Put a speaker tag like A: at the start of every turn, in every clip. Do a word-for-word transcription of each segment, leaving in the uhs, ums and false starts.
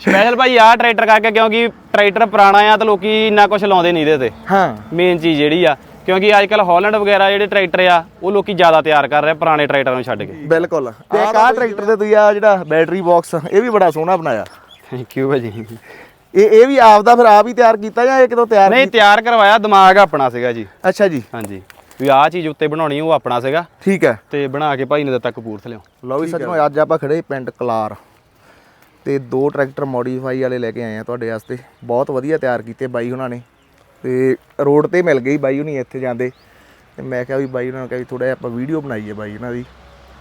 A: Special ਭਾਈ ਆਹ tractor ਕਰਕੇ ਕਿਉਂਕਿ ਟਰੈਕਟਰ ਪੁਰਾਣਾ ਆ ਤਾਂ ਲੋਕੀ ਇੰਨਾ ਕੁਝ ਲਾਉਂਦੇ ਨਹੀਂ ਇਹਦੇ ਤੇ
B: ਹਾਂ
A: ਮੇਨ ਚੀਜ਼ ਜਿਹੜੀ ਆ ਕਿਉਂਕਿ ਅੱਜ ਕੱਲ ਹਾਲੈਂਡ ਵਗੈਰਾ ਜਿਹੜੇ ਟਰੈਕਟਰ ਆ ਉਹ ਲੋਕੀ ਜ਼ਿਆਦਾ ਤਿਆਰ ਕਰ ਰਹੇ ਪੁਰਾਣੇ ਟਰੈਕਟਰਾਂ ਨੂੰ ਛੱਡ ਕੇ
B: ਬਿਲਕੁਲ ਤੇ ਆਹ ਟਰੈਕਟਰ ਤੇ ਤੁਸੀਂ ਆ ਜਿਹੜਾ ਬੈਟਰੀ ਬਾਕਸ ਇਹ ਵੀ ਬੜਾ ਸੋਹਣਾ ਬਣਾਇਆ।
A: ਥੈਂਕ ਯੂ ਭਾਜੀ।
B: ਇਹ ਇਹ ਵੀ ਆਪ ਦਾ ਫਿਰ ਆਪ ਹੀ ਤਿਆਰ ਕੀਤਾ ਜਾਂ ਇਹ ਕਿਤੋਂ ਤਿਆਰ
A: ਨਹੀਂ ਤਿਆਰ ਕਰਵਾਇਆ ਦਿਮਾਗ ਆਪਣਾ ਸੀਗਾ ਜੀ।
B: ਅੱਛਾ ਜੀ।
A: ਹਾਂਜੀ ਵੀ ਆਹ ਚੀਜ਼ ਉੱਤੇ ਬਣਾਉਣੀ ਉਹ ਆਪਣਾ ਸੀਗਾ।
B: ਠੀਕ ਹੈ
A: ਤੇ ਬਣਾ ਕੇ ਭਾਈ ਨੇ ਦਿੱਤਾ ਕਪੂਰਥਲੇ।
B: ਲਓ ਵੀ ਸੱਜਣੋ ਅੱਜ ਆਪਾਂ ਖੜੇ ਪਿੰਡ ਕਲਾਰ ਤੇ ਦੋ ਟਰੈਕਟਰ ਮੋਡੀਫਾਈ ਵਾਲੇ ਲੈ ਕੇ ਆਏ ਆ ਤੁਹਾਡੇ ਵਾਸਤੇ। ਬਹੁਤ ਵਧੀਆ ਤਿਆਰ ਕੀਤੇ ਬਾਈ ਉਹਨਾਂ ਨੇ ਤੇ ਰੋਡ ਤੇ ਮਿਲ ਗਈ ਬਾਈ ਹੁਣੀ ਇੱਥੇ ਜਾਂਦੇ ਤੇ ਮੈਂ ਕਿਹਾ ਵੀ ਬਾਈ ਉਹਨਾਂ ਨੂੰ ਕਿਹਾ ਵੀ ਥੋੜਾ ਜਿਹਾ ਆਪਾਂ ਵੀਡੀਓ ਬਣਾਈਏ ਬਾਈ ਇਹਨਾਂ ਦੀ।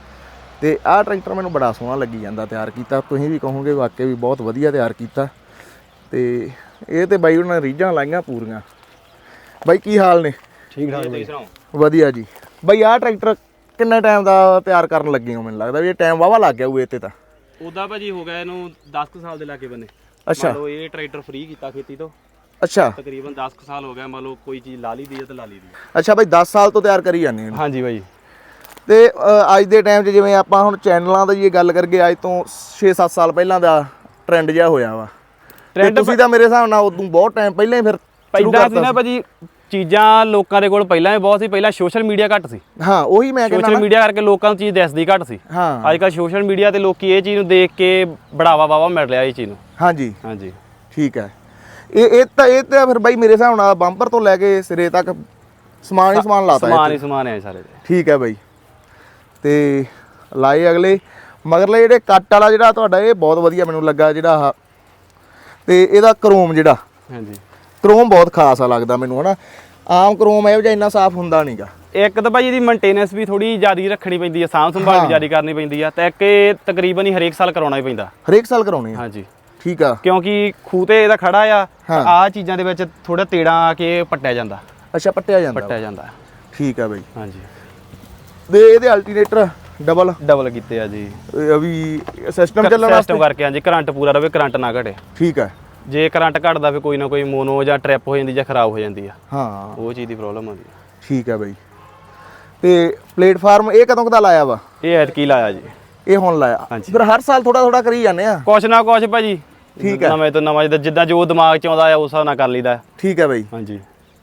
B: ਤੇ ਆਹ ਟਰੈਕਟਰ ਮੈਨੂੰ ਬੜਾ ਸੋਹਣਾ ਲੱਗੀ ਜਾਂਦਾ ਤਿਆਰ ਕੀਤਾ। ਤੁਸੀਂ ਵੀ ਕਹੋਗੇ ਵਾਕਿਆ ਵੀ ਬਹੁਤ ਵਧੀਆ ਤਿਆਰ ਕੀਤਾ। ਤੇ ਇਹ ਤੇ ਬਾਈ ਉਹਨਾਂ ਨੇ ਰੀਝਾਂ ਲਾਈਆਂ ਪੂਰੀਆਂ। ਬਾਈ ਕੀ ਹਾਲ ਨੇ?
A: ਠੀਕ ਠਾਕ ਜੀ।
B: ਵਧੀਆ ਜੀ। ਬਾਈ ਆਹ ਟਰੈਕਟਰ ਕਿੰਨੇ ਟਾਈਮ ਦਾ ਤਿਆਰ ਕਰਨ ਲੱਗੇ ਹੋ? ਮੈਨੂੰ ਲੱਗਦਾ ਵੀ ਇਹ ਟਾਈਮ ਵਾਵਾ ਲੱਗ ਗਿਆ ਹੋਊ ਇੱਥੇ ਤਾਂ।
A: ਉਹਦਾ ਭਾਜੀ ਹੋ ਗਿਆ ਇਹਨੂੰ ਦਸ ਕੁ ਸਾਲ ਦੇ ਲਾਗੇ ਬੰਨੇ।
B: ਅੱਛਾ
A: ਮੰਨ ਲਓ ਇਹ ਟਰੈਕਟਰ ਫ੍ਰੀ ਕੀਤਾ ਖੇਤੀ ਤੋਂ।
B: ਅੱਛਾ
A: ਤਕਰੀਬਨ ਦਸ ਕੁ ਸਾਲ ਹੋ ਗਿਆ। ਮੰਨ ਲਓ ਕੋਈ ਚੀਜ਼ ਲਾ ਲਈ ਦੀ ਹੈ ਤਾਂ ਲਾ ਲਈ ਦੀ।
B: ਅੱਛਾ ਬਾਈ ਦਸ ਸਾਲ ਤੋਂ ਤਿਆਰ ਕਰੀ ਜਾਂਦੇ ਹੋ?
A: ਹਾਂਜੀ ਬਾਈ।
B: ਤੇ ਅੱਜ ਦੇ ਟਾਈਮ 'ਚ ਜਿਵੇਂ ਆਪਾਂ ਹੁਣ ਚੈਨਲਾਂ ਦਾ ਜੇ ਗੱਲ ਕਰੀਏ ਅੱਜ ਤੋਂ ਛੇ ਸੱਤ ਸਾਲ ਪਹਿਲਾਂ ਦਾ ਟ੍ਰੈਂਡ ਜਿਹਾ ਹੋਇਆ ਵਾ। ਟ੍ਰੈਂਡ ਤੁਸੀਂ ਤਾਂ ਮੇਰੇ ਹਿਸਾਬ ਨਾਲ ਉਦੋਂ ਬਹੁਤ ਟਾਈਮ ਪਹਿਲਾਂ ਹੀ ਫਿਰ
A: ਪਹਿਲਾਂ ਸੀ ਨਾ ਭਾਜੀ ਚੀਜ਼ਾਂ ਲੋਕਾਂ ਦੇ ਕੋਲ ਪਹਿਲਾਂ ਹੀ ਬਹੁਤ ਸੀ। ਪਹਿਲਾਂ ਸੋਸ਼ਲ ਮੀਡੀਆ ਘੱਟ ਸੀ।
B: ਹਾਂ ਉਹੀ ਮੈਂ ਕਹਿੰਦਾ
A: ਸੋਸ਼ਲ ਮੀਡੀਆ ਕਰਕੇ ਲੋਕਾਂ ਨੂੰ ਚੀਜ਼ ਦਿਸਦੀ ਘੱਟ ਸੀ।
B: ਹਾਂ
A: ਅੱਜ ਕੱਲ੍ਹ ਸੋਸ਼ਲ ਮੀਡੀਆ ਤੇ ਲੋਕੀ ਇਹ ਚੀਜ਼ ਨੂੰ ਦੇਖ ਕੇ ਬੜਾਵਾ ਵਾਵਾ ਮਿਲ ਰਿਹਾ ਇਹ ਚੀਜ਼ ਨੂੰ।
B: ਹਾਂਜੀ
A: ਹਾਂਜੀ
B: ਠੀਕ ਹੈ। ਇਹ ਇਹ ਤਾਂ ਇਹ ਤਾਂ ਫਿਰ ਬਾਈ ਮੇਰੇ ਹਿਸਾਬ ਨਾਲ ਬੰਪਰ ਤੋਂ ਲੈ ਕੇ ਸਿਰੇ ਤੱਕ ਸਮਾਨ ਹੀ ਸਮਾਨ ਲਾਤਾ।
A: ਸਮਾਨ ਹੀ ਸਮਾਨ ਹੈ ਸਾਰੇ।
B: ਠੀਕ ਹੈ ਬਾਈ। ਤੇ ਲਾਏ ਅਗਲੇ ਮਗਰਲੇ ਜਿਹੜੇ ਕੱਟ ਵਾਲਾ ਜਿਹੜਾ ਤੁਹਾਡਾ ਇਹ ਬਹੁਤ ਵਧੀਆ ਮੈਨੂੰ ਲੱਗਾ ਜਿਹੜਾ ਆਹ ਤੇ ਇਹਦਾ ਕਰੋਮ ਜਿਹੜਾ।
A: ਹਾਂਜੀ
B: ਕਰੋਮ ਬਹੁਤ ਖਾਸ ਆ ਲੱਗਦਾ ਮੈਨੂੰ ਹਨਾ। ਆਮ ਕਰੋਮ ਇਹੋ ਜਿਹਾ ਇੰਨਾ ਸਾਫ਼ ਹੁੰਦਾ ਨਹੀਂਗਾ।
A: ਇੱਕ ਤਾਂ ਭਾਈ ਇਹਦੀ ਮੇਨਟੇਨੈਂਸ ਵੀ ਥੋੜੀ ਜ਼ਿਆਦਾ ਰੱਖਣੀ ਪੈਂਦੀ ਹੈ। ਸਾਂਭ ਸੰਭਾਲ ਵੀ ਜ਼ਿਆਦਾ ਕਰਨੀ ਪੈਂਦੀ ਆ ਤੇ ਇੱਕ ਇਹ ਤਕਰੀਬਨ ਹੀ ਹਰੇਕ ਸਾਲ ਕਰਾਉਣਾ ਹੀ ਪੈਂਦਾ।
B: ਹਰੇਕ ਸਾਲ ਕਰਾਉਣੀ ਆ?
A: ਹਾਂਜੀ
B: ਠੀਕ ਆ।
A: ਕਿਉਂਕਿ ਖੂਹ ਤੇ ਇਹਦਾ ਖੜਾ ਆ ਆਹ ਚੀਜ਼ਾਂ ਦੇ ਵਿੱਚ ਥੋੜਾ ਤੇੜਾ ਆ ਕੇ ਪੱਟਿਆ ਜਾਂਦਾ।
B: ਅੱਛਾ ਪੱਟਿਆ ਜਾਂਦਾ।
A: ਪੱਟਿਆ ਜਾਂਦਾ
B: ਠੀਕ ਆ ਬਾਈ।
A: ਹਾਂਜੀ
B: ਤੇ ਇਹਦੇ ਅਲਟਰਨੇਟਰ ਡਬਲ
A: ਡਬਲ ਕੀਤੇ ਆ ਜੀ।
B: ਇਹ ਵੀ ਸਿਸਟਮ ਚੱਲਣ ਵਾਸਤੇ
A: ਸਿਸਟਮ ਕਰਕੇ ਹਾਂਜੀ ਕਰੰਟ ਪੂਰਾ ਰਵੇ ਕਰੰਟ ਨਾ ਘਟੇ।
B: ਠੀਕ ਆ।
A: ਜੇ ਕਰੰਟ ਘਟਦਾ ਫਿਰ ਕੋਈ ਨਾ ਕੋਈ ਮੋਨੋ ਜਾਂ ਟ੍ਰਿਪ ਹੋ ਜਾਂਦੀ ਜਾਂ ਖਰਾਬ ਹੋ ਜਾਂਦੀ ਆ।
B: ਹਾਂ
A: ਉਹ ਚੀਜ਼ ਦੀ ਪ੍ਰੋਬਲਮ ਆਉਂਦੀ ਆ।
B: ਠੀਕ ਆ ਬਾਈ। ਤੇ ਪਲੇਟਫਾਰਮ ਇਹ ਕਦੋਂ ਕਦਾ ਲਾਇਆ ਵਾ?
A: ਇਹ ਐਤਕੀ ਲਾਇਆ ਜੀ।
B: ਇਹ ਹੁਣ ਲਾਇਆ? ਫਿਰ ਹਰ ਸਾਲ ਥੋੜਾ ਥੋੜਾ ਕਰੀ ਜਾਂਦੇ ਆ?
A: ਕੁਛ ਨਾ ਕੁਛ ਭਾਜੀ।
B: ਠੀਕ ਆ।
A: ਨਵੇਂ ਤੋਂ ਨਵਾਂ ਜਿੱਦਾਂ ਜੋ ਦਿਮਾਗ ਚ ਆਉਂਦਾ ਆ ਉਸ ਹਿਸਾਬ ਨਾਲ ਕਰ ਲਈਦਾ।
B: ਠੀਕ ਆ ਬਾਈ।
A: ਹਾਂਜੀ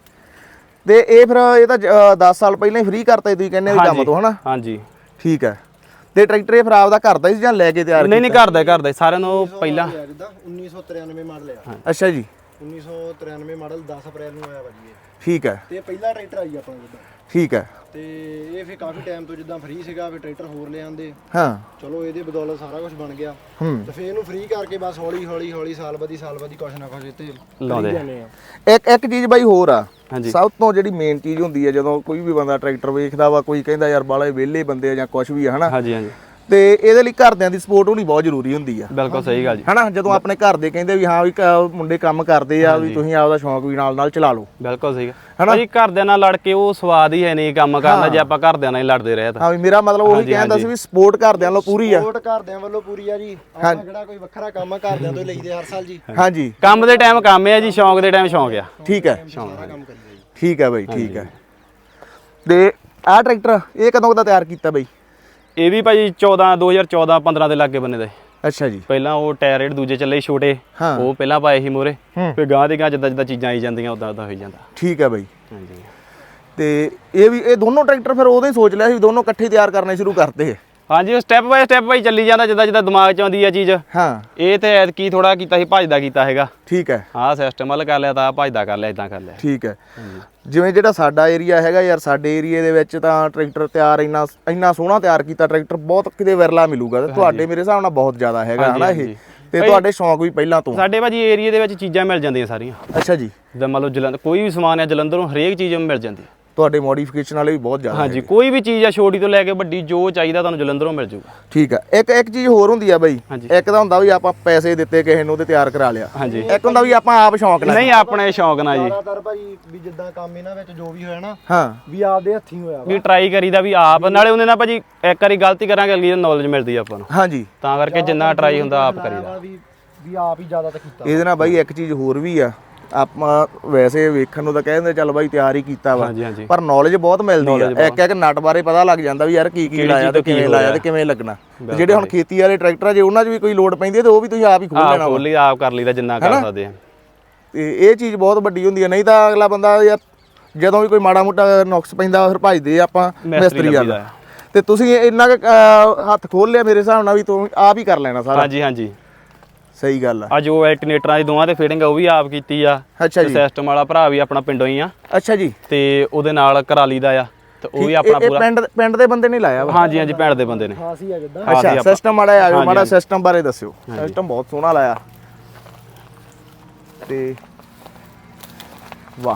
B: ਤੇ ਇਹ ਫਿਰ ਇਹ ਤਾਂ ਦਸ ਸਾਲ ਪਹਿਲਾਂ ਹੀ ਫ੍ਰੀ ਕਰਤਾ ਤੁਸੀਂ ਕਹਿੰਦੇ ਵੀ ਕੰਮ ਤੋਂ ਹਨਾ?
A: ਹਾਂਜੀ
B: ਠੀਕ ਆ। ਤੇ ਟਰੈਕਟਰ ਇਹ ਫਿਰ ਆਪਦਾ ਕਰਦਾ ਸੀ ਜਾਂ ਲੈ ਕੇ ਤਿਆਰ?
A: ਨਹੀਂ ਨਹੀਂ ਕਰਦਾ ਕਰਦਾ ਸਾਰਿਆਂ ਨੂੰ ਪਹਿਲਾਂ
C: ਜਿੱਦਾਂ ਉੱਨੀ ਸੌ ਤਰਿਆਨਵੇਂ ਮਾਡਲ ਆ।
B: ਅੱਛਾ ਜੀ।
C: ਉੱਨੀ ਸੌ ਤਰਿਆਨਵੇਂ ਮਾਡਲ ਦਸ ਅਪ੍ਰੈਲ ਨੂੰ ਆਇਆ ਭਾਜੀ ਇਹ।
B: ਠੀਕ ਹੈ।
C: ਤੇ ਪਹਿਲਾ ਟਰੈਕਟਰ ਆਈ ਆਪਣਾ ਜਿੱਦਾਂ।
B: ਠੀਕ ਹੈ।
C: ਤੇ ਇਹ ਫਿਰ ਕਾਫੀ ਟਾਈਮ ਤੋਂ ਜਿੱਦਾਂ ਫ੍ਰੀ ਸੀਗਾ ਫਿਰ ਟਰੈਕਟਰ ਹੋਰ ਲੈ ਆਂਦੇ।
B: ਹਾਂ
C: ਚਲੋ ਇਹਦੇ ਬਦੌਲਤ ਸਾਰਾ ਕੁਝ ਬਣ ਗਿਆ।
B: ਹੂੰ
C: ਤੇ ਫਿਰ ਇਹਨੂੰ ਫ੍ਰੀ ਕਰਕੇ ਬਸ ਹੌਲੀ ਹੌਲੀ ਹੌਲੀ ਸਾਲ ਬਾਅਦ ਸਾਲ ਬਾਅਦ ਕੁਛ ਨਾ ਕੁਛ ਇੱਥੇ
A: ਲਾਉਂਦੇ
C: ਜਾਂਦੇ ਆ।
B: ਇੱਕ ਇੱਕ ਚੀਜ਼ ਬਾਈ ਹੋਰ ਆ।
A: ਹਾਂਜੀ
B: ਸਭ ਤੋਂ ਜਿਹੜੀ ਮੇਨ ਚੀਜ਼ ਹੁੰਦੀ ਹੈ ਜਦੋਂ ਕੋਈ ਵੀ ਬੰਦਾ ਟਰੈਕਟਰ ਵੇਖਦਾ ਵਾ ਕੋਈ ਕਹਿੰਦਾ ਯਾਰ ਬਾਲੇ ਵਿਹਲੇ ਬੰਦੇ ਆ ਜਾਂ ਕੁਝ ਵੀ ਆ ਹਨਾ।
A: ਹਾਂਜੀ ਹਾਂਜੀ
B: ਤੇ ਇਹਦੇ ਲਈ ਘਰਦਿਆਂ ਦੀ ਸਪੋਰਟ ਹੋਣੀ ਬਹੁਤ ਜ਼ਰੂਰੀ ਹੁੰਦੀ ਆ।
A: ਬਿਲਕੁਲ ਸਹੀ ਗੱਲ ਜੀ।
B: ਹਨਾ ਜਦੋਂ ਆਪਣੇ ਘਰ ਦੇ ਕਹਿੰਦੇ ਵੀ ਹਾਂ ਵੀ ਕ- ਮੁੰਡੇ ਕੰਮ ਕਰਦੇ ਆ ਵੀ ਤੁਸੀਂ ਆਪਦਾ ਸ਼ੌਂਕ ਵੀ ਨਾਲ ਨਾਲ ਚਲਾ ਲਓ।
A: ਬਿਲਕੁਲ ਸਹੀ ਗੱਲ ਭਾਜੀ। ਘਰਦਿਆਂ ਨਾਲ ਲੜ ਕੇ ਉਹ ਸਵਾਦ ਹੀ ਹੈ ਨਹੀਂ ਕੰਮ ਕਰਨਾ ਜੇ ਆਪਾਂ ਘਰਦਿਆਂ ਨਾਲ ਹੀ ਲੜਦੇ ਰਹੇ ਤਾਂ।
B: ਹਾਂ ਵੀ ਮੇਰਾ ਮਤਲਬ ਉਹੀ ਕਹਿੰਦਾ ਸੀ ਵੀ ਸਪੋਰਟ ਘਰਦਿਆਂ ਵੱਲੋਂ ਪੂਰੀ ਆ।
C: ਸਪੋਰਟ ਘਰਦਿਆਂ ਵੱਲੋਂ ਪੂਰੀ ਆ ਜੀ। ਆਪਾਂ ਕਿਹੜਾ ਕੋਈ ਵੱਖਰਾ ਕੰਮ ਆ ਘਰਦਿਆਂ ਤੋਂ ਲਈਦੇ ਹਰ ਸਾਲ ਜੀ।
B: ਹਾਂਜੀ
A: ਕੰਮ ਦੇ ਟਾਈਮ ਕੰਮ ਹੈ ਜੀ ਸ਼ੌਂਕ ਦੇ ਟਾਈਮ ਸ਼ੌਂਕ ਆ।
B: ਠੀਕ ਹੈ।
C: ਸਾਰਾ ਕੰਮ ਕਰੀਦਾ ਜੀ।
B: ਠੀਕ ਹੈ ਬਾਈ ਠੀਕ ਹੈ। ਤੇ ਆਹ ਟਰੈਕਟਰ ਇਹ ਕਦੋਂ ਦਾ ਤਿਆਰ ਕੀਤਾ ਬਾਈ?
A: ਇਹ ਵੀ ਭਾਜੀ ਚੌਦਾਂ ਦੋ ਹਜ਼ਾਰ ਚੌਦਾਂ ਪੰਦਰਾਂ ਦੇ ਲਾਗੇ ਬੰਨੇ ਦਾ।
B: ਅੱਛਾ ਜੀ।
A: ਪਹਿਲਾਂ ਉਹ ਟਾਇਰ ਜਿਹੜੇ ਦੂਜੇ ਚੱਲੇ ਛੋਟੇ
B: ਹਾਂ।
A: ਉਹ ਪਹਿਲਾਂ ਪਾਏ ਸੀ ਮੋਰੇ ਫਿਰ ਗਾਂ ਦੇ ਗਾਂ ਜਿੱਦਾਂ ਜਿੱਦਾਂ ਚੀਜ਼ਾਂ ਆਈ ਜਾਂਦੀਆਂ ਉਦਾਂ ਉਦਾਂ ਹੋਈ ਜਾਂਦਾ।
B: ਠੀਕ ਹੈ ਬਾਈ।
A: ਹਾਂਜੀ
B: ਤੇ ਇਹ ਵੀ ਇਹ ਦੋਨੋਂ ਟਰੈਕਟਰ ਫਿਰ ਉਦੋਂ ਹੀ ਸੋਚ ਲਿਆ ਸੀ ਦੋਨੋਂ ਇਕੱਠੇ ਤਿਆਰ ਕਰਨੇ ਸ਼ੁਰੂ ਕਰਤੇ?
A: ਹਾਂਜੀ ਉਹ ਸਟੈਪ ਬਾਈ ਸਟੈਪ ਬਾਈ ਚੱਲੀ ਜਾਂਦਾ ਜਿੱਦਾਂ ਜਿੱਦਾਂ ਦਿਮਾਗ 'ਚ ਆਉਂਦੀ ਆ ਚੀਜ਼।
B: ਹਾਂ
A: ਇਹ ਤੇ ਐਤਕੀ ਥੋੜਾ ਕੀਤਾ ਸੀ ਭੱਜਦਾ ਕੀਤਾ ਹੈਗਾ।
B: ਠੀਕ ਹੈ।
A: ਆਹ ਸਿਸਟਮ ਵੱਲ ਕਰ ਲਿਆ ਤਾਂ ਭੱਜਦਾ ਕਰ ਲਿਆ ਇਦਾਂ ਕਰ ਲਿਆ।
B: ਠੀਕ ਹੈ। ਜਿਵੇਂ ਜਿਹੜਾ ਸਾਡਾ ਏਰੀਆ ਹੈਗਾ ਯਾਰ ਸਾਡੇ ਏਰੀਏ ਦੇ ਵਿੱਚ ਤਾਂ ਟਰੈਕਟਰ ਤਿਆਰ ਇੰਨਾ ਇੰਨਾ ਸੋਹਣਾ ਤਿਆਰ ਕੀਤਾ ਟਰੈਕਟਰ ਬਹੁਤ ਕਿਤੇ ਵਿਰਲਾ ਮਿਲੂਗਾ ਤੇ ਤੁਹਾਡੇ ਮੇਰੇ ਹਿਸਾਬ ਨਾਲ ਬਹੁਤ ਜ਼ਿਆਦਾ ਹੈਗਾ ਹਨਾ ਇਹ। ਤੇ ਤੁਹਾਡੇ ਸ਼ੌਂਕ ਵੀ ਪਹਿਲਾਂ ਤੋਂ?
A: ਸਾਡੇ ਭਾਜੀ ਏਰੀਏ ਦੇ ਵਿੱਚ ਚੀਜ਼ਾਂ ਮਿਲ ਜਾਂਦੀਆਂ ਸਾਰੀਆਂ।
B: ਅੱਛਾ ਜੀ।
A: ਜਿੱਦਾਂ ਮੰਨ ਲਓ ਜਲੰਧਰ ਕੋਈ ਵੀ ਸਮਾਨ ਹੈ ਜਲੰਧਰੋਂ ਹਰੇਕ ਚੀਜ਼ ਮਿਲ ਜਾਂਦੀ।
B: ਤੁਹਾਡੇ ਮੋਡੀਫਿਕੇਸ਼ਨ ਵਾਲੇ ਵੀ ਬਹੁਤ ਜ਼ਿਆਦਾ?
A: ਹਾਂਜੀ ਕੋਈ ਵੀ ਚੀਜ਼ ਆ ਛੋਟੀ ਤੋਂ ਲੈ ਕੇ ਵੱਡੀ ਜੋ ਚਾਹੀਦਾ ਤੁਹਾਨੂੰ ਜਲੰਧਰੋਂ ਮਿਲ ਜੂਗਾ।
B: ਠੀਕ ਆ। ਇੱਕ ਇੱਕ ਚੀਜ਼ ਹੋਰ ਹੁੰਦੀ ਆ ਬਾਈ। ਇੱਕ ਤਾਂ ਹੁੰਦਾ ਵੀ ਆਪਾਂ ਪੈਸੇ ਦਿੱਤੇ ਕਿਸੇ ਨੂੰ ਤੇ ਤਿਆਰ ਕਰਾ ਲਿਆ।
A: ਹਾਂਜੀ
B: ਇੱਕ ਹੁੰਦਾ ਵੀ ਆਪਾਂ ਆਪ ਸ਼ੌਂਕ ਨਾਲ।
A: ਨਹੀਂ ਆਪਣੇ ਸ਼ੌਂਕ ਨਾਲ ਜੀ।
C: ਜ਼ਿਆਦਾਤਰ ਭਾਜੀ ਵੀ ਜਿੱਦਾਂ ਕੰਮ ਇਹਨਾਂ ਵਿੱਚ ਜੋ ਵੀ ਹੋਇਆ ਨਾ
B: ਹਾਂ
C: ਵੀ ਆਪਦੇ ਹੱਥੀਂ ਹੋਇਆ ਵਾ।
A: ਵੀ ਟਰਾਈ ਕਰੀਦਾ ਵੀ ਆਪ ਨਾਲੇ ਉਹਨੇ ਨਾਲ ਭਾਜੀ ਇੱਕ ਵਾਰੀ ਗਲਤੀ ਕਰਾਂਗੇ ਅਗਲੀ ਨੂੰ ਨੌਲੇਜ ਮਿਲਦੀ ਆ ਆਪਾਂ ਨੂੰ।
B: ਹਾਂਜੀ
A: ਤਾਂ ਕਰਕੇ ਜਿੰਨਾ ਟਰਾਈ ਹੁੰਦਾ ਆਪ ਕਰੀਦਾ।
C: ਵੀ ਵੀ ਆਪ ਹੀ ਜ਼ਿਆਦਾ ਤਾਂ ਕੀਤਾ।
B: ਇਹਦੇ ਨਾਲ ਬਾਈ ਇੱਕ ਚੀਜ਼ ਹੋਰ ਵੀ ਆ ਆਪਾਂ ਵੈਸੇ ਵੇਖਣ ਨੂੰ ਤਾਂ ਕਹਿੰਦੇ ਚੱਲ ਬਾਈ ਤਿਆਰ ਹੀ ਕੀਤਾ ਵਾ,
A: ਹਾਂਜੀ ਹਾਂਜੀ
B: ਪਰ ਨੌਲੇਜ ਬਹੁਤ ਮਿਲਦੀ ਆ। ਇੱਕ ਇੱਕ ਨਟ ਬਾਰੇ ਪਤਾ ਲੱਗ ਜਾਂਦਾ ਵੀ ਯਾਰ ਕੀ ਕੀ ਲਾਇਆ ਤੇ ਕਿਵੇਂ ਲਾਇਆ ਤੇ ਕਿਵੇਂ ਲੱਗਣਾ। ਤੇ ਜਿਹੜੇ ਹੁਣ ਖੇਤੀ ਵਾਲੇ ਟਰੈਕਟਰ ਆ ਜੇ ਉਹਨਾਂ 'ਚ ਵੀ ਕੋਈ ਲੋਡ ਪੈਂਦੀ ਹੈ ਤੇ ਉਹ ਵੀ ਤੁਸੀਂ ਆਪ ਹੀ ਖੋਲ ਲੈਣਾ
A: ਆਪ ਖੋਲ ਲਈ ਆਪ ਕਰ ਲਈਦਾ ਜਿੰਨਾ ਕਰ ਸਕਦੇ ਆ।
B: ਤੇ ਇਹ ਚੀਜ਼ ਬਹੁਤ ਵੱਡੀ ਹੁੰਦੀ ਹੈ। ਨਹੀਂ ਤਾਂ ਅਗਲਾ ਬੰਦਾ ਯਾਰ ਜਦੋਂ ਵੀ ਕੋਈ ਮਾੜਾ ਮੋਟਾ ਨੁਕਸ ਪੈਂਦਾ ਫਿਰ ਭਜਦੇ ਆਪਾਂ ਮਿਸਤਰੀ ਵਾਲਾ। ਤੇ ਤੁਸੀਂ ਇੰਨਾ ਕੁ ਹੱਥ ਖੋਲ ਲਿਆ ਮੇਰੇ ਹਿਸਾਬ ਨਾਲ ਵੀ ਤੂੰ ਆਪ ਹੀ ਕਰ ਲੈਣਾ ਸਾਰਾ।
A: ਹਾਂਜੀ ਹਾਂਜੀ
B: ਸਹੀ ਗੱਲ ਆ।
A: ਆ ਜੋ ਐਲਟਰਨੇਟਰਾਂ ਦੀ ਦੋਵਾਂ ਤੇ ਫਿਟਿੰਗ ਉਹ ਵੀ ਆਪ ਕੀਤੀ ਆ।
B: ਅੱਛਾ ਜੀ
A: ਸਿਸਟਮ ਵਾਲਾ ਭਰਾ ਵੀ ਆਪਣਾ ਪਿੰਡੋਂ ਹੀ ਆ
B: ਅੱਛਾ ਜੀ
A: ਤੇ ਉਹਦੇ ਨਾਲ ਕਰਾ ਲਈਦਾ ਆ ਤੇ ਉਹ ਵੀ ਆਪਣਾ
B: ਇਹ
A: ਪੂਰਾ
B: ਪਿੰਡ ਪਿੰਡ ਦੇ ਬੰਦੇ ਨੇ ਲਾਇਆ ਵਾ।
A: ਹਾਂਜੀ ਹਾਂਜੀ ਪਿੰਡ ਦੇ ਬੰਦੇ ਨੇ।
C: ਖਾਸ ਹੀ ਆ ਜਿੱਦਾਂ।
B: ਅੱਛਾ ਸਿਸਟਮ ਮਾੜਾ ਆ ਜਾਓ ਮਾੜਾ ਸਿਸਟਮ ਬਾਰੇ ਦੱਸਿਓ। ਸਿਸਟਮ ਬਹੁਤ ਸੋਹਣਾ ਲਾਇਆ ਤੇ ਵਾਹ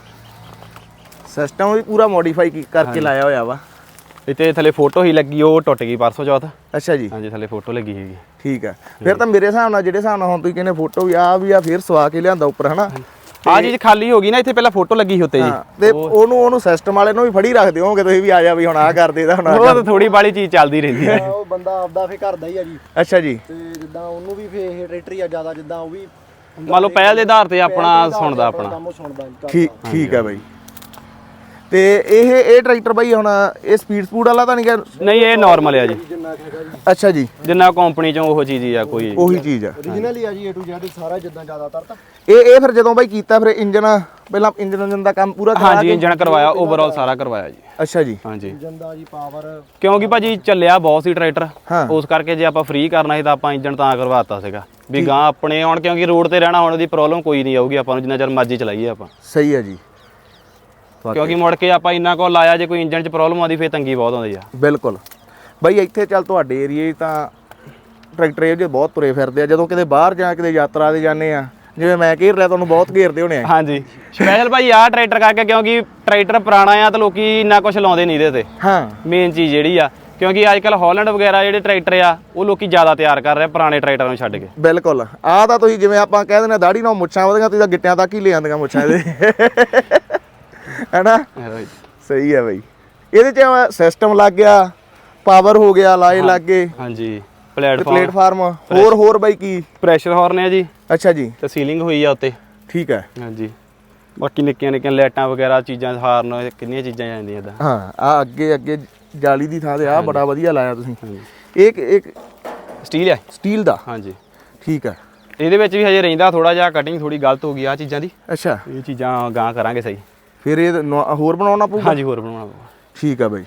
B: ਸਿਸਟਮ ਵੀ ਪੂਰਾ ਮੋਡੀਫਾਈ ਕਰਕੇ ਲਾਇਆ ਹੋਇਆ ਵਾ।
A: ਇੱਥੇ ਥੱਲੇ ਫੋਟੋ ਹੀ ਲੱਗੀ ਉਹ ਟੁੱਟ ਗਈ ਪਰਸੋਂ ਚੌਥ।
B: ਅੱਛਾ ਜੀ
A: ਹਾਂਜੀ ਥੱਲੇ ਫੋਟੋ ਲੱਗੀ ਹੈਗੀ।
B: ਠੀਕ ਆ ਫਿਰ ਤਾਂ ਮੇਰੇ ਹਿਸਾਬ ਨਾਲ ਜਿਹੜੇ ਹਿਸਾਬ ਨਾਲ ਹੁਣ ਤੁਸੀਂ ਕਹਿੰਦੇ ਫੋਟੋ ਵੀ ਆ ਵੀ ਆ ਫਿਰ ਸਵਾ ਕੇ ਲਿਆਂਦਾ ਉੱਪਰ ਹਨਾ।
A: ਆ ਚੀਜ਼ ਖਾਲੀ ਹੋ ਗਈ ਨਾ ਇੱਥੇ ਪਹਿਲਾਂ ਫੋਟੋ ਲੱਗੀ ਸੀ ਉੱਤੇ ਜੀ।
B: ਤੇ ਉਹਨੂੰ ਉਹਨੂੰ ਸਿਸਟਮ ਵਾਲੇ ਨੂੰ ਵੀ ਫੜੀ ਰੱਖਦੇ ਹੋਗੇ ਤੁਸੀਂ ਵੀ ਆ ਜਾ ਵੀ ਹੁਣ ਆ ਕਰ ਦੇਦਾ ਹੁਣ।
A: ਉਹ ਤਾਂ ਥੋੜੀ ਬਾਲੀ ਚੀਜ਼ ਚੱਲਦੀ ਰਹਿੰਦੀ ਹੈ।
C: ਉਹ ਬੰਦਾ ਆਪਦਾ ਫੇ ਘਰ ਦਾ ਹੀ ਆ ਜੀ।
B: ਅੱਛਾ ਜੀ
C: ਤੇ ਜਿੱਦਾਂ ਉਹਨੂੰ ਵੀ ਫੇ ਇਹ ਟਰੈਕਟਰ ਆ ਜ਼ਿਆਦਾ ਜਿੱਦਾਂ ਉਹ ਵੀ
A: ਮੰਨ ਲਓ ਪਹਿਲ ਦੇ ਆਧਾਰ ਤੇ ਆਪਣਾ ਸੁਣਦਾ ਆਪਣਾ।
C: ਕੰਮ ਸੁਣਦਾ
B: ਠੀਕ ਠੀਕ ਆ ਬਾਈ। ਤੇ ਇਹ ਇਹ ਟਰੈਕਟਰ ਬਾਈ ਹੁਣ ਇਹ ਸਪੀਡ ਸਪੂਡ ਵਾਲਾ ਤਾਂ ਨਹੀਂ ਗਾ?
A: ਨਹੀਂ ਇਹ ਨਾਰਮਲ ਆ ਜੀ।
C: ਜਿੰਨਾ ਹੈਗਾ ਜੀ।
B: ਅੱਛਾ ਜੀ
A: ਜਿੰਨਾ ਕੰਪਨੀ ਚੋਂ ਉਹ ਚੀਜ਼ ਹੀ ਆ ਕੋਈ
B: ਉਹੀ ਚੀਜ਼ ਆ
C: ਓਰੀਜਨਲ ਹੀ ਆ ਜੀ A to Z ਸਾਰਾ ਜਿੱਦਾਂ ਜ਼ਿਆਦਾਤਰ ਤਾਂ।
B: ਇਹ ਇਹ ਫਿਰ ਜਦੋਂ ਬਾਈ ਕੀਤਾ ਫਿਰ ਇੰਜਨ ਪਹਿਲਾਂ ਇੰਜਨ ਇੰਜਨ ਦਾ ਕੰਮ ਪੂਰਾ ਕਰਾ
A: ਹਾਂਜੀ ਇੰਜਨ ਕਰਵਾਇਆ ਓਵਰਆਲ ਸਾਰਾ ਕਰਵਾਇਆ ਜੀ।
B: ਅੱਛਾ ਜੀ
A: ਹਾਂਜੀ
C: ਇੰਜਨ ਦਾ ਜੀ ਪਾਵਰ
A: ਕਿਉਂਕਿ ਭਾਜੀ ਚੱਲਿਆ ਬਹੁਤ ਸੀ ਟਰੈਕਟਰ
B: ਹਾਂ।
A: ਉਸ ਕਰਕੇ ਜੇ ਆਪਾਂ ਫ੍ਰੀ ਕਰਨਾ ਸੀ ਤਾਂ ਆਪਾਂ ਇੰਜਨ ਤਾਂ ਕਰਵਾਤਾ ਸੀਗਾ ਵੀ ਗਾਂ ਆਪਣੇ ਆਉਣ ਕਿਉਂਕਿ ਰੋਡ ਤੇ ਰਹਿਣਾ ਹੁਣ ਉਹਦੀ ਪ੍ਰੋਬਲਮ ਕੋਈ ਨਹੀਂ ਆਊਗੀ ਆਪਾਂ ਨੂੰ ਜਿੰਨਾ ਚਿਰ ਮਰਜ਼ੀ ਚਲਾਈਏ ਆਪਾਂ।
B: ਸਹੀ ਆ ਜੀ
A: ਕਿਉਂਕਿ ਮੁੜ ਕੇ ਆਪਾਂ ਇੰਨਾ ਕੋ ਲਾਇਆ ਜੇ ਕੋਈ ਇੰਜਨ 'ਚ ਪ੍ਰੋਬਲਮ ਆਉਂਦੀ ਫੇਰ ਤੰਗੀ ਬਹੁਤ ਆਉਂਦੀ ਆ।
B: ਬਿਲਕੁਲ ਬਾਈ ਇੱਥੇ ਚੱਲ ਤੁਹਾਡੇ ਏਰੀਏ ਤਾਂ ਟਰੈਕਟਰ ਇਹ ਜਿਹੇ ਬਹੁਤ ਤੁਰੇ ਫਿਰਦੇ ਆ ਜਦੋਂ ਕਿਤੇ ਬਾਹਰ ਜਾਂ ਕਿਤੇ ਯਾਤਰਾ ਤੇ ਜਾਂਦੇ ਆ ਜਿਵੇਂ ਮੈਂ ਘੇਰ ਲਿਆ ਤੁਹਾਨੂੰ ਬਹੁਤ ਘੇਰਦੇ ਹੋਣੇ ਆ।
A: ਹਾਂਜੀ ਸਪੈਸ਼ਲ ਭਾਈ ਆਹ ਟਰੈਕਟਰ ਕਰਕੇ ਕਿਉਂਕਿ ਟਰੈਕਟਰ ਪੁਰਾਣਾ ਆ ਤਾਂ ਲੋਕੀ ਇੰਨਾ ਕੁਝ ਲਾਉਂਦੇ ਨਹੀਂ ਇਹਦੇ ਤੇ।
B: ਹਾਂ
A: ਮੇਨ ਚੀਜ਼ ਜਿਹੜੀ ਆ ਕਿਉਂਕਿ ਅੱਜ ਕੱਲ ਹਾਲੈਂਡ ਵਗੈਰਾ ਜਿਹੜੇ ਟਰੈਕਟਰ ਆ ਉਹ ਲੋਕੀ ਜ਼ਿਆਦਾ ਤਿਆਰ ਕਰ ਰਹੇ ਪੁਰਾਣੇ ਟਰੈਕਟਰਾਂ ਨੂੰ ਛੱਡ ਕੇ।
B: ਬਿਲਕੁਲ ਆਹ ਤਾਂ ਤੁਸੀਂ ਜਿਵੇਂ ਆਪਾਂ ਕਹਿ ਦਿੰਦੇ ਆ ਦਾੜੀ ਨਾਲ ਮੁੱਛਾਂ ਉਹਦੀਆਂ ਤੁਸੀਂ ਤਾਂ ਗਿੱਟਿਆਂ ਤੱਕ ਹੀ ਲੈ ਆਂਦੀਆਂ ਮੁੱਛਾਂ ਇਹਦੇ ਹੈਨਾ। ਸਹੀ ਹੈ ਬਾਈ ਇਹਦੇ ਚ ਸਿਸਟਮ ਲੱਗ ਗਿਆ ਪਾਵਰ ਹੋ ਗਿਆ ਲਾਏ ਲੱਗ ਗਏ।
A: ਹਾਂਜੀ ਪਲੇਟਫਾਰਮ
B: ਪਲੇਟਫਾਰਮ ਹੋਰ ਹੋਰ ਬਾਈ ਕੀ
A: ਪ੍ਰੈਸ਼ਰ ਹਾਰਨ ਆ ਜੀ।
B: ਅੱਛਾ ਜੀ
A: ਤੇ ਸੀਲਿੰਗ ਹੋਈ ਆ ਉੱਤੇ।
B: ਠੀਕ ਹੈ
A: ਹਾਂਜੀ ਬਾਕੀ ਨਿੱਕੀਆਂ ਨਿੱਕੀਆਂ ਲਾਈਟਾਂ ਵਗੈਰਾ ਚੀਜ਼ਾਂ ਹਾਰਨ ਕਿੰਨੀਆਂ ਚੀਜ਼ਾਂ ਜਾਂਦੀਆਂ ਇਦਾਂ।
B: ਹਾਂ ਆ ਅੱਗੇ ਅੱਗੇ ਜਾਲੀ ਦੀ ਥਾਂ ਤੇ ਆ ਬੜਾ ਵਧੀਆ ਲਾਇਆ ਤੁਸੀਂ। ਇੱਕ ਇੱਕ
A: ਸਟੀਲ ਆ
B: ਸਟੀਲ ਦਾ।
A: ਹਾਂਜੀ
B: ਠੀਕ ਹੈ
A: ਇਹਦੇ ਵਿੱਚ ਵੀ ਹਜੇ ਰਹਿੰਦਾ ਥੋੜਾ ਜਿਹਾ ਕਟਿੰਗ ਥੋੜੀ ਗਲਤ ਹੋ ਗਈ ਆ ਚੀਜ਼ਾਂ ਦੀ।
B: ਅੱਛਾ
A: ਇਹ ਚੀਜ਼ਾਂ ਗਾਂ ਕਰਾਂਗੇ ਸਹੀ।
B: ਫਿਰ ਇਹ ਨਵਾ- ਹੋਰ ਬਣਾਉਣਾ ਪਊਗਾ?
A: ਹਾਂਜੀ ਹੋਰ ਬਣਾਉਣਾ ਪਊਗਾ।
B: ਠੀਕ ਆ ਬਾਈ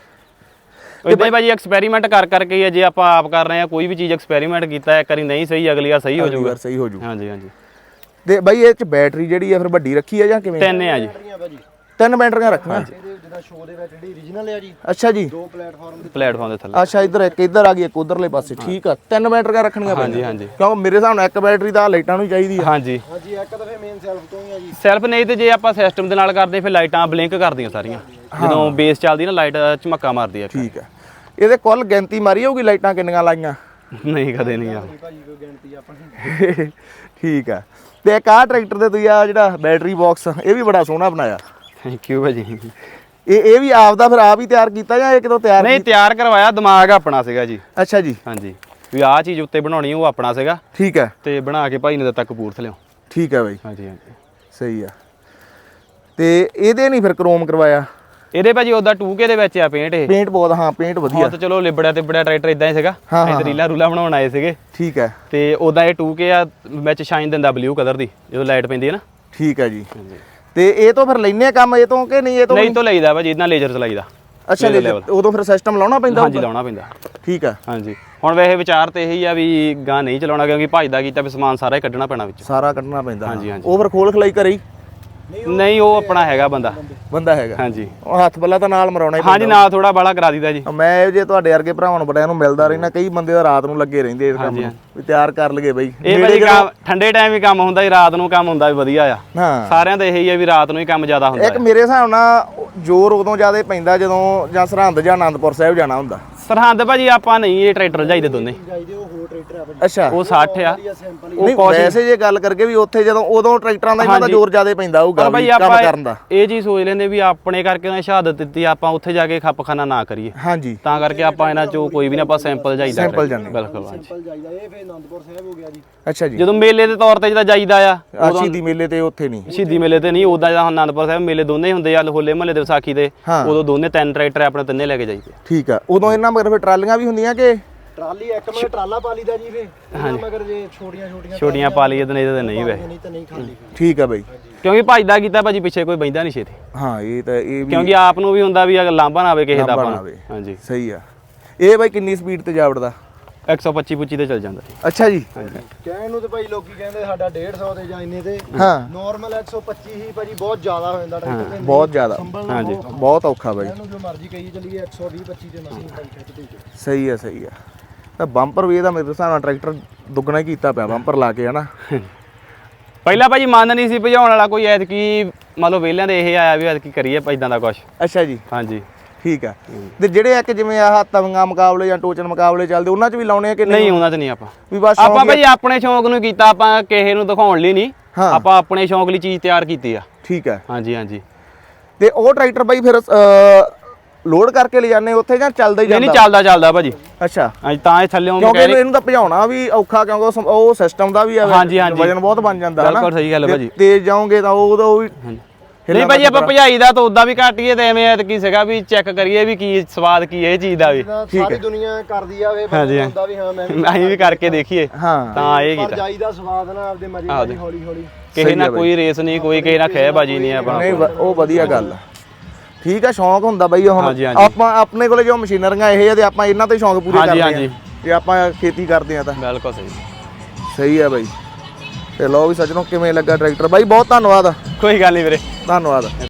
A: ਇਦਾਂ ਹੀ ਭਾਜੀ ਐਕਸਪੈਰੀਮੈਂਟ ਕਰ ਕਰਕੇ ਹੀ ਆ, ਜੇ ਆਪਾਂ ਆਪ ਕਰ ਰਹੇ ਆ ਕੋਈ ਵੀ ਚੀਜ਼ ਐਕਸਪੈਰੀਮੈਂਟ ਕੀਤਾ ਇੱਕ ਵਾਰੀ ਨਹੀਂ ਸਹੀ ਅਗਲੀ ਵਾਰ ਸਹੀ ਹੋ ਜਾਊਗਾ।
B: ਸਹੀ ਹੋ ਜਾਊ।
A: ਹਾਂਜੀ ਹਾਂਜੀ
B: ਤੇ ਬਾਈ ਇਹ ਚ ਬੈਟਰੀ ਜਿਹੜੀ ਆ ਫਿਰ ਵੱਡੀ ਰੱਖੀ ਆ ਜਾਂ ਕਿਵੇਂ?
A: ਤਿੰਨ ਆ ਜੀ।
C: ਬੈਟਰੀਆਂ ਭਾਜੀ
B: ਤਿੰਨ ਬੈਟਰੀਆਂ ਰੱਖੀਆਂ।
C: ਇਹਦੇ ਜਿੱਦਾਂ ਸ਼ੋਅ ਦੇ ਵਿੱਚ ਜਿਹੜੀ ਓਰੀਜਨਲ ਆ ਜੀ
B: ਅੱਛਾ ਜੀ
C: ਦੋ ਪਲੇਟਫਾਰਮ ਦੇ
A: ਪਲੇਟਫਾਰਮ ਦੇ ਥੱਲੇ।
B: ਅੱਛਾ ਇੱਧਰ ਇੱਕ ਇੱਧਰ ਆ ਗਈ ਇੱਕ ਉਧਰਲੇ ਪਾਸੇ। ਠੀਕ ਆ ਤਿੰਨ ਬੈਟਰੀਆਂ ਰੱਖਣੀਆਂ
A: ਹਾਂਜੀ ਹਾਂਜੀ
B: ਕਿਉਂਕਿ ਮੇਰੇ ਹਿਸਾਬ ਨਾਲ ਇੱਕ ਬੈਟਰੀ ਤਾਂ ਲਾਈਟਾਂ ਨੂੰ ਚਾਹੀਦੀ ਆ।
A: ਹਾਂਜੀ
C: ਹਾਂਜੀ ਇੱਕ ਤਾਂ ਫੇ ਮੇਨ ਸੈਲਫ ਤੋਂ ਹੀ ਆ ਜੀ।
A: ਸੈਲਫ ਨਹੀਂ ਤੇ ਜੇ ਆਪਾਂ ਸਿਸਟਮ ਦੇ ਨਾਲ ਕਰਦੇ ਫਿਰ ਲਾਈਟਾਂ ਬਲਿੰਕ ਕਰਦੀਆਂ ਸਾਰੀਆਂ ਜਦੋਂ ਬੇਸ ਚੱਲਦੀ ਨਾ ਲਾਈਟ ਝਮੱਕਾ ਮਾਰਦੀ ਆ।
B: ਠੀਕ ਆ ਇਹਦੇ ਕੁੱਲ ਗਿਣਤੀ ਮਾਰੀ ਹੋਊਗੀ ਲਾਈਟਾਂ ਕਿੰਨੀਆਂ ਲਾਈਆਂ?
A: ਨਹੀਂ ਕਦੇ ਨਹੀਂ ਆ
C: ਭਾਜੀ ਕੋਈ ਗਿਣਤੀ ਆਪਣੀ।
B: ਠੀਕ ਆ ਤੇ ਇੱਕ ਆਹ ਟਰੈਕਟਰ ਦੇ ਤੁਸੀਂ ਆ ਜਿਹੜਾ ਬੈਟਰੀ ਬਾਕਸ ਇਹ ਵੀ ਬੜਾ ਸੋਹਣਾ ਬਣਾਇਆ।
A: ਥੈਂਕ ਯੂ ਭਾਜੀ।
B: ਇਹ ਇਹ ਵੀ ਆਪ ਦਾ ਫਿਰ ਆਪ ਹੀ ਤਿਆਰ ਕੀਤਾ ਜਾਂ ਇਹ ਕਿਤੋਂ ਤਿਆਰ?
A: ਨਹੀਂ ਤਿਆਰ ਕਰਵਾਇਆ ਦਿਮਾਗ ਆਪਣਾ ਸੀਗਾ ਜੀ।
B: ਅੱਛਾ ਜੀ
A: ਹਾਂਜੀ ਵੀ ਆਹ ਚੀਜ਼ ਉੱਤੇ ਬਣਾਉਣੀ ਉਹ ਆਪਣਾ ਸੀਗਾ
B: ਠੀਕ ਹੈ
A: ਤੇ ਬਣਾ ਕੇ ਭਾਈ ਨੇ ਦਿੱਤਾ ਕਪੂਰਥਲਿਓਂ।
B: ਠੀਕ ਹੈ ਬਾਈ
A: ਹਾਂਜੀ ਹਾਂਜੀ
B: ਸਹੀ ਆ। ਤੇ ਇਹਦੇ ਨਹੀਂ ਫਿਰ ਕ੍ਰੋਮ ਕਰਵਾਇਆ?
A: ਇਹਦੇ ਭਾਜੀ ਉਹਦਾ ਟੂ ਕੇ ਦੇ ਵਿੱਚ ਆ ਪੇਂਟ ਇਹ।
B: ਪੇਂਟ ਬਹੁਤ ਹਾਂ ਪੇਂਟ ਵਧੀਆ।
A: ਹਾਂ ਤਾਂ ਚਲੋ ਲਿਬੜਿਆ ਤੇ ਬੜਿਆ ਟਰੈਕਟਰ ਇਦਾਂ ਹੀ ਸੀਗਾ। ਇਹ ਰੀਲਾ ਰੂਲਾ ਬਣਾਉਣ ਆਏ ਸੀਗੇ।
B: ਠੀਕ ਹੈ
A: ਤੇ ਉਹਦਾ ਇਹ ਟੂ ਕੇ ਆ ਵਿੱਚ ਸ਼ਾਈਨ ਦਿੰਦਾ ਬਲੂ ਕਲਰ ਦੀ ਜਦੋਂ ਲਾਈਟ ਪੈਂਦੀ ਹੈ ਨਾ।
B: ਠੀਕ ਹੈ ਜੀ ਤੇ ਇਹ ਤੋਂ ਫਿਰ ਲੈਨੇ ਆ ਕੰਮ ਇਹ ਤੋਂ ਕਿ ਨਹੀਂ? ਇਹ ਤੋਂ
A: ਨਹੀਂ ਤੋਂ ਲਈਦਾ ਭਾਜੀ ਇਹਦੇ ਨਾਲ ਲੇਜ਼ਰ ਚਲਾਈਦਾ।
B: ਅੱਛਾ ਉਦੋਂ ਫਿਰ ਸਿਸਟਮ ਲਾਉਣਾ ਪੈਂਦਾ?
A: ਹਾਂਜੀ ਲਾਉਣਾ ਪੈਂਦਾ।
B: ਠੀਕ ਹੈ
A: ਹਾਂਜੀ ਹੁਣ ਵੈਸੇ ਵਿਚਾਰ ਤੇ ਇਹੀ ਆ ਵੀ ਗਾਂ ਨਹੀਂ ਚਲਾਉਣਾ ਕਿਉਂਕਿ ਭਜਦਾ ਕੀਤਾ ਵੀ ਸਮਾਨ ਸਾਰਾ ਹੀ ਕੱਢਣਾ ਪੈਣਾ ਵਿੱਚ।
B: ਸਾਰਾ ਕੱਢਣਾ ਪੈਂਦਾ।
A: ਹਾਂਜੀ ਹਾਂਜੀ
B: ਉਹ ਫਿਰ ਖੋਲ ਖਲਾਈ ਕਰੇ ਹੀ?
A: ਨਹੀਂ ਉਹ ਆਪਣਾ ਹੈਗਾ ਬੰਦਾ
B: ਬੰਦਾ ਹੈਗਾ।
A: ਹਾਂਜੀ
B: ਉਹ ਹੱਥ ਬੱਲਾ ਤਾਂ ਨਾਲ ਮਰਾਉਣਾ ਹੀ
A: ਹਾਂਜੀ ਨਾਲ ਥੋੜਾ ਬਾਲਾ ਕਰਾ ਦੀਦਾ ਜੀ।
B: ਮੈਂ ਇਹ ਜੇ ਤੁਹਾਡੇ ਵਰਗੇ ਭਰਾਵਾਂ ਨੂੰ ਬੜਿਆਂ ਨੂੰ ਮਿਲਦਾ ਰਹਿਣਾ ਕਈ ਬੰਦੇ ਤਾਂ ਰਾਤ ਨੂੰ ਲੱਗੇ ਰਹਿੰਦੇ ਇਸ ਕੰਮ ਨੂੰ ਵੀ ਤਿਆਰ ਕਰ ਲਈਏ ਬਈ।
A: ਇਹ ਭਾਜੀ ਕੰਮ ਠੰਡੇ ਟਾਈਮ ਵੀ ਕੰਮ ਹੁੰਦਾ ਜੀ ਰਾਤ ਨੂੰ ਕੰਮ ਹੁੰਦਾ ਵੀ ਵਧੀਆ ਆ।
B: ਹਾਂ
A: ਸਾਰਿਆਂ ਦਾ ਇਹੀ ਆ ਵੀ ਰਾਤ ਨੂੰ ਹੀ ਕੰਮ ਜ਼ਿਆਦਾ ਹੁੰਦਾ।
B: ਇੱਕ ਮੇਰੇ ਹਿਸਾਬ ਨਾਲ ਜ਼ੋਰ ਉਦੋਂ ਜ਼ਿਆਦਾ ਪੈਂਦਾ ਜਦੋਂ ਜਾਂ ਸਰਹੰਦ ਜਾਂ ਆਨੰਦਪੁਰ ਸਾਹਿਬ ਜਾਣਾ ਹੁੰਦਾ।
A: ਸਰਹੰਦ ਭਾਜੀ ਆਪਾਂ ਨਹੀਂ ਇਹ ਟਰੈਕਟਰ ਜਾਈਦੇ ਦੋਨੇ
C: ਜਾਈਦੇ ਉਹ ਹੋਰ ਟਰੈਕਟਰ ਆ ਭਾਜੀ
B: ਅੱਛਾ
A: ਉਹ ਸੱਠ ਆ
C: ਸਿੰਪਲ
B: ਨਹੀਂ ਵੈਸੇ ਜੇ ਗੱਲ ਕਰਕੇ ਵੀ ਉੱਥੇ ਜਦੋਂ ਉਦੋਂ ਟਰੈਕਟਰਾਂ ਦਾ ਇਹਨਾਂ ਦਾ ਜ਼ੋਰ ਜ਼ਿਆਦਾ ਪੈਂਦਾ ਹੋਊਗਾ
A: ਪਰ ਭਾਈ
B: ਵੀ ਕੰਮ
A: ਆਪਾਂ
B: ਕਰਨ ਦਾ
A: ਇਹ ਚੀਜ਼ ਸੋਚ ਲੈਂਦੇ ਵੀ ਆਪਣੇ ਕਰਕੇ ਉਹਨੇ ਸ਼ਹਾਦਤ ਦਿੱਤੀ ਆਪਾਂ ਉੱਥੇ ਜਾ ਕੇ ਖੱਪਖਾਨਾ ਨਾ ਕਰੀਏ
B: ਹਾਂਜੀ
A: ਤਾਂ ਕਰਕੇ ਆਪਾਂ ਇਹਨਾਂ ਚੋਂ ਕੋਈ ਵੀ ਨਾ ਆਪਾਂ ਸੈਂਪਲ ਜਾਈਦਾ
B: ਸੈਂਪਲ ਜਾਂਦੇ।
A: ਬਿਲਕੁਲ ਹਾਂਜੀ
C: ਸਿੰਪਲ ਜਾਈਦਾ ਇਹ ਫੇਰ ਆਨੰਦਪੁਰ ਸਾਹਿਬ ਹੋ ਗਿਆ ਜੀ
B: ਅੱਛਾ ਜੀ
A: ਜਦੋਂ ਮੇਲੇ ਦੇ ਤੌਰ ਤੇ ਜਿਹਦਾ ਜਾਈਦਾ ਆ
B: ਆ ਸ਼ਹੀਦੀ ਮੇਲੇ ਤੇ ਉੱਥੇ ਨਹੀਂ
A: ਸ਼ਹੀਦੀ ਮੇਲੇ ਤੇ ਨਹੀਂ ਉਦਾਂ ਜਾਂ ਅਨੰਦਪੁਰ ਸਾਹਿਬ ਮੇਲੇ ਦੋਨੇ ਹੁੰਦੇ ਆ ਹੋਲੇ ਮਹੱਲੇ ਦੇ ਵਿਸਾਖੀ ਦੇ
B: ਹਾਂ।
A: ਉਦੋਂ ਦੋਨੇ ਤਿੰਨ ਟਰੈਕਟਰ ਆਪਣੇ ਤਿੰਨੇ ਲੈ ਕੇ ਜਾਈਦੇ
B: ਠੀਕ ਆ ਉਦੋਂ ਇਹਨਾਂ ਮਗਰ ਫਿਰ ਟਰਾਲੀਆਂ ਵੀ ਹੁੰਦੀਆਂ ਕਿ
C: ਟਰਾਲੀ ਇੱਕ ਮਗਰ ਟਰਾਲਾ ਪਾ ਲਈਦਾ ਜੀ ਫੇ ਇਹਨਾਂ ਮਗਰ ਜੇ ਛੋਟੀਆਂ ਛੋਟੀਆਂ
A: ਛੋਟੀਆਂ ਪਾ ਲਈਏ ਤੇ ਨਹੀਂ ਤੇ ਨਹੀਂ ਵੈਸੇ
C: ਨਹੀਂ ਤਾਂ ਨਹੀਂ ਖਾਲੀ
B: ਠੀਕ ਆ ਬਾਈ
A: ਕਿਉਂਕਿ ਭਜਦਾ ਕੀਤਾ ਭਾਜੀ ਪਿੱਛੇ ਕੋਈ ਬੈਂਦਾ ਨਹੀਂ ਛੇਤੀ
B: ਹਾਂ ਇਹ ਤਾਂ ਇਹ ਵੀ
A: ਕਿਉਂਕਿ ਆਪ ਨੂੰ ਵੀ ਹੁੰਦਾ ਵੀ ਅਗਰ ਲਾਂਭਾ ਨਾ ਆਵੇ ਕਿਸੇ ਦਾ
B: ਲਾਂਭਾ
A: ਆਪਾਂ
B: ਨਾ
A: ਨੂੰ।
B: ਆਵੇ।
A: ਹਾਂਜੀ
B: ਸਹੀ ਆ ਇਹ ਬਾਈ ਕਿੰਨੀ ਸਪੀਡ ਤੇ ਜਾ ਵੜਦਾ
A: ਇੱਕ ਸੌ ਪੱਚੀ ਪੁੱਚੀ ਤੇ ਚੱਲ ਜਾਂਦਾ ਜੀ।
B: ਅੱਛਾ ਜੀ
C: ਕਹਿਣ ਨੂੰ ਤੇ ਭਾਈ ਲੋਕੀ ਕਹਿੰਦੇ ਸਾਡਾ ਡੇਢ ਸੌ ਤੇ ਜਾਂ ਇੰਨੇ ਤੇ
B: ਹਾਂ
C: ਨਾਰਮਲ ਇੱਕ ਸੌ ਪੱਚੀ ਹੀ ਭਾਜੀ ਬਹੁਤ ਜ਼ਿਆਦਾ ਹੋ ਜਾਂਦਾ ਟਰੈਕਟਰ ਤੇ
B: ਬਹੁਤ ਜ਼ਿਆਦਾ
C: ਸੰਭਲਣਾ
A: ਹਾਂਜੀ।
C: ਬਹੁਤ-
B: ਬਹੁਤ ਔਖਾ ਬਾਈ
C: ਇਹਨੂੰ ਜੋ ਮਰਜ਼ੀ ਕਹੀ ਚੱਲੀਏ ਇੱਕ ਸੌ ਵੀਹ ਪੱਚੀ ਤੇ ਮਸੀਂ ਭਾਈ ਖਿੱਚਦੇ ਜੀ
B: ਸਹੀ ਆ ਸਹੀ ਆ ਤਾਂ ਬੰਪਰ ਵੀ ਇਹਦਾ ਮੇਰੇ ਹਿਸਾਬ ਨਾਲ ਟਰੈਕਟਰ ਦੁੱਗਣਾ ਹੀ ਕੀਤਾ ਪਿਆ ਬੰਪਰ ਲਾ ਕੇ ਹਨਾ
A: ਪਹਿਲਾਂ ਭਾਜੀ ਮੰਨ ਨਹੀਂ ਸੀ ਭਜਾਉਣ ਵਾਲਾ ਕੋਈ ਐਤਕੀ ਮੰਨ ਲਓ ਵਿਹਲਿਆਂ ਦੇ ਇਹ ਆਇਆ ਵੀ ਐਤਕੀ ਕਰੀਏ ਇਦਾਂ ਦਾ ਕੁਝ
B: ਅੱਛਾ ਜੀ
A: ਹਾਂਜੀ
B: ਠੀਕ ਆ ਤੇ ਜਿਹੜੇ ਇੱਕ ਜਿਵੇਂ ਆਹ ਤਵੀਆਂ ਮੁਕਾਬਲੇ ਜਾਂ ਟੋਚਨ ਮੁਕਾਬਲੇ ਚੱਲਦੇ ਉਹਨਾਂ 'ਚ ਵੀ ਲਾਉਣੇ ਆ ਕਿ
A: ਨਹੀਂ ਉਹਨਾਂ ਤੇ ਨਹੀਂ ਆਪਾਂ
B: ਵੀ ਬਸ
A: ਆਪਾਂ
B: ਸ਼ੌਂਕ
A: ਭਾਜੀ ਆਪਣੇ ਸ਼ੌਂਕ ਨੂੰ ਕੀਤਾ ਆਪਾਂ ਕਿਸੇ ਨੂੰ ਦਿਖਾਉਣ ਲਈ ਨਹੀਂ
B: ਹਾਂ।
A: ਆਪਾਂ ਆਪਣੇ ਸ਼ੌਂਕ ਲਈ ਚੀਜ਼ ਤਿਆਰ ਕੀਤੀ ਆ
B: ਠੀਕ ਆ
A: ਹਾਂਜੀ ਹਾਂਜੀ
B: ਤੇ ਉਹ ਟਰੈਕਟਰ ਬਾਈ ਫਿਰ ਲੋਡ ਕਰਕੇ ਲੈ ਜਾਂਦੇ ਉੱਥੇ ਜਾਂ ਚੱਲਦਾ ਹੀ
A: ਨਹੀਂ ਨਹੀਂ
B: ਜਾਂਦਾ
A: ਚੱਲਦਾ ਚੱਲਦਾ ਭਾਜੀ
B: ਅੱਛਾ
A: ਹਾਂਜੀ ਤਾਂ ਇਹ ਥੱਲੇੋਂ
B: ਕਿਉਂਕਿ ਇਹਨੂੰ ਤਾਂ ਭਜਾਉਣਾ ਵੀ ਔਖਾ ਕਿਉਂਕਿ ਉਹ ਸਮ- ਉਹ ਸਿਸਟਮ ਦਾ ਵੀ ਆ
A: ਹਾਂਜੀ, ਹਾਂਜੀ।
B: ਵਜਨ ਬਹੁਤ ਬਣ ਜਾਂਦਾ ਹਨਾ
A: ਬਿਲਕੁਲ ਸਹੀ ਗੱਲ ਹੈ
B: ਤੇ
A: ਭਾਜੀ।
B: ਤੇਜ਼ ਜਾਓਗੇ ਤਾਂ ਉਹ ਉਹ ਵੀ
A: ਨਹੀਂ ਭਾਜੀ ਆਪਾਂ ਭਜਾਈ ਦਾ ਤਾਂ ਉਦਾਂ ਵੀ ਘਟੀਏ ਤੇ ਐਵੇਂ ਐਤਕੀ ਸੀਗਾ ਵੀ ਚੈੱਕ ਕਰੀਏ ਵੀ ਕੀ ਸਵਾਦ ਕੀ ਇਹ ਚੀਜ਼ ਦਾ ਵੀ
C: ਜਿੱਦਾਂ ਸਾਰੀ ਦੁਨੀਆ ਕਰਦੀ ਆ ਵੇ
A: ਹਾਂਜੀ।
C: ਬੰਦਾ ਵੀ ਹਾਂ ਮੈਂ ਵੀ
A: ਅਸੀਂ ਵੀ ਕਰਕੇ ਦੇਖੀਏ
B: ਹਾਂ
A: ਤਾਂ ਇਹ
C: ਪਰ
A: ਕੀਤਾ
C: ਜਾਈਦਾ ਸਵਾਦ ਨਾਲ ਆਪਦੇ ਮਜ਼ੇ ਨਾਲ ਹੌਲੀ ਹੌਲੀ
A: ਕਿਸੇ ਨਾਲ ਕੋਈ ਰੇਸ ਨਹੀਂ ਕੋਈ ਕਿਸੇ ਨਾਲ ਖਹਿਬਾਜੀ ਨਹੀਂ ਆਪਣਾ
B: ਨਹੀਂ ਵ- ਉਹ ਵਧੀਆ ਗੱਲ ਆ ਠੀਕ ਆ ਸ਼ੌਂਕ ਹੁੰਦਾ ਬਈ ਹੁਣ
A: ਹਾਂਜੀ, ਹਾਂਜੀ।
B: ਆਪਾਂ ਆਪਣੇ ਕੋਲੇ ਜੋ ਮਸ਼ੀਨਰੀਆਂ ਇਹ ਆ ਤੇ ਆਪਾਂ ਇਹਨਾਂ ਤੋਂ ਹੀ ਸ਼ੌਂਕ ਪੂਰੇ
A: ਹਾਂਜੀ,
B: ਕਰਦੇ ਆ
A: ਹਾਂਜੀ।
B: ਜੇ ਆਪਾਂ ਖੇਤੀ ਕਰਦੇ ਆ ਤਾਂ
A: ਬਿਲਕੁਲ ਸਹੀ
B: ਸਹੀ ਆ ਬਾਈ ਤੇ ਲੋ ਵੀ ਸੱਜਣੋ ਕਿਵੇਂ ਲੱਗਾ ਟਰੈਕਟਰ ਬਾਈ ਬਹੁਤ ਧੰਨਵਾਦ
A: ਕੋਈ ਗੱਲ ਨਹੀਂ ਵੀਰੇ
B: ਧੰਨਵਾਦ